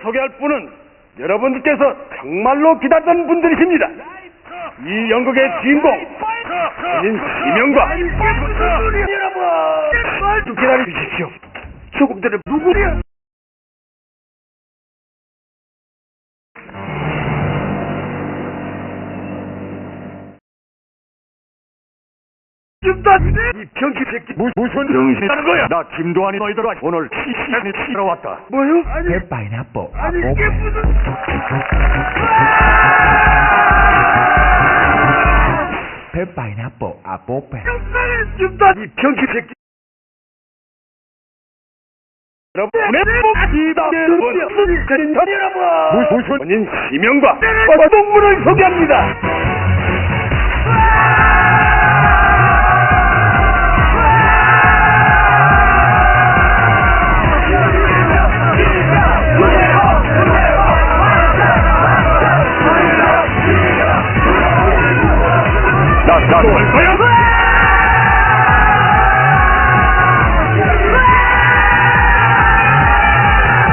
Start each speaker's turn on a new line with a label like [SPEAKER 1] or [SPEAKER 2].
[SPEAKER 1] 소개할 분은 여러분들께서 정말로 기다렸던 분들이십니다. 이 연극의 주인공 본인 이명과 여러분 기다려 주십시오. 조금들은 누구냐? 이 병신 새끼 무슨 병신하는 거야? 나 김도환이 너희들 오늘 시시하니 치러 왔다. 뭐요?
[SPEAKER 2] 배 파인애플
[SPEAKER 1] 아니 이게 무슨
[SPEAKER 2] 배 파인애플 아뽀페
[SPEAKER 1] 이 병신 새끼 여러분 무슨 본인 이명과 동물을 소개합니다. 나 뭘 거야?